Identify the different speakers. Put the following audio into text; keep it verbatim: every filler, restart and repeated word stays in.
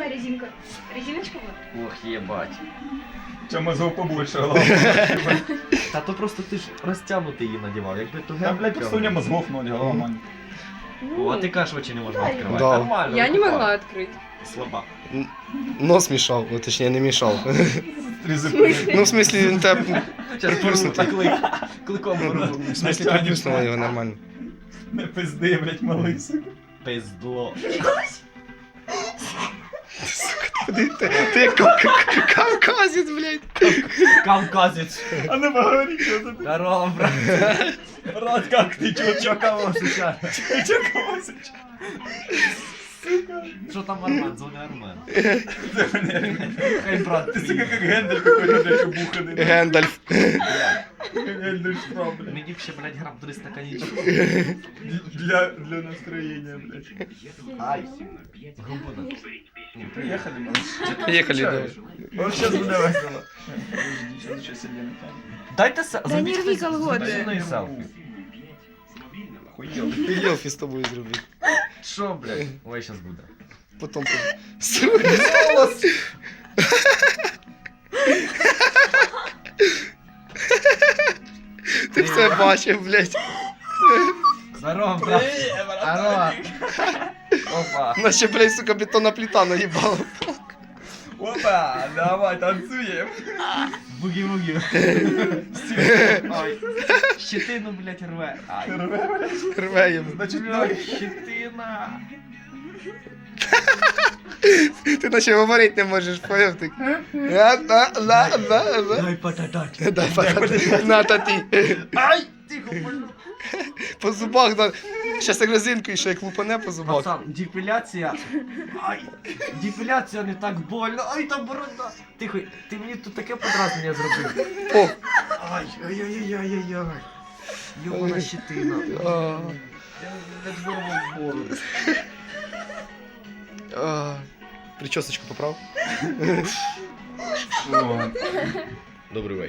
Speaker 1: какая резинка? Резиночка вот?
Speaker 2: Ох, єбать.
Speaker 3: Чому мозгов побольше, ладно.
Speaker 2: Та то просто ти ж розтягнутий її надівав, якби то
Speaker 3: Там, блядь, просто у меня мозгов ноль, голова маленькая.
Speaker 2: О, а ти кажеш, очі не можна
Speaker 1: Да,
Speaker 2: відкривати.
Speaker 4: да.
Speaker 2: Нормально.
Speaker 5: Я не
Speaker 2: викупай.
Speaker 5: могла открыть.
Speaker 2: Слаба.
Speaker 4: Нос мішав, ну точніше не мішав.
Speaker 3: Три зубы.
Speaker 4: Ну, в смислі, він тебе
Speaker 2: Зараз порву
Speaker 4: Приплюснутий.
Speaker 2: так клик. Кликом порву.
Speaker 4: в смислі приплюснуло його нормально.
Speaker 3: Не пизди, блядь, малий, сука.
Speaker 2: Пиздло.
Speaker 4: Ти, ти, ти кав- кав- кавказець, блядь.
Speaker 2: Кавказець.
Speaker 3: А ну поговори, что ты?
Speaker 2: Здорово, брат.
Speaker 3: Брат, как ты, чё,
Speaker 2: Чо кого сейчас?
Speaker 3: чё, чё, кого сейчас? Сука.
Speaker 2: Що там Армен? Дзвони Армен.
Speaker 3: Да, блядь.
Speaker 2: Хай брат
Speaker 3: Ты, сука,
Speaker 2: приїде.
Speaker 3: как Гендель какой-то, блядь, обуханный.
Speaker 4: Гендальф.
Speaker 3: Как Гендель Шпрам, блядь.
Speaker 2: Мені б ще, блядь, грам триста коньячку.
Speaker 3: Для, для настроения, блядь.
Speaker 2: Ай. Грубо надо.
Speaker 3: Не, приехали, малыш.
Speaker 4: Поїхали, давай.
Speaker 3: Вот сейчас буде весело. Подожди, сейчас еще сидим.
Speaker 2: Дайте се...
Speaker 1: Да не рви колготи.
Speaker 2: зі мною селфі.
Speaker 3: Охуел.
Speaker 4: І селфі з тобою зробити.
Speaker 2: Що, блядь? Ой, щас буде.
Speaker 4: Потім... Сука. Ти все бачив, блядь.
Speaker 2: Здорово, брат. Здорово. Опа.
Speaker 4: Наче, блядь, сука, бетонна плита наїбала.
Speaker 3: Опа, давай, танцуем.
Speaker 2: Буги-буги. Ой. Щетину, блядь, рве. Ай.
Speaker 4: Рве йому.
Speaker 3: Значит,
Speaker 2: Блядь,
Speaker 3: давай.
Speaker 2: щетина.
Speaker 4: Ти наче говорити не можеш, поняв ти? На, на, на, на, на.
Speaker 2: Дай потатать.
Speaker 4: Дай патати. На, таті.
Speaker 2: Ай! Тихо, больно.
Speaker 4: По зубах, да. Щас як резинку і ще як лупане по зубах.
Speaker 2: Пацан, депіляція. Ай! Депіляція не так больно. Ай, там борода. Тихо, ти мені тут таке подразнення зробив.
Speaker 4: О.
Speaker 2: Ай, ай-яй-яй-яй-яй. Йобана щетина.
Speaker 4: А,
Speaker 2: Я не здорову бороду.
Speaker 4: а. Причосочку поправ.
Speaker 3: О.
Speaker 4: Добрий вечір.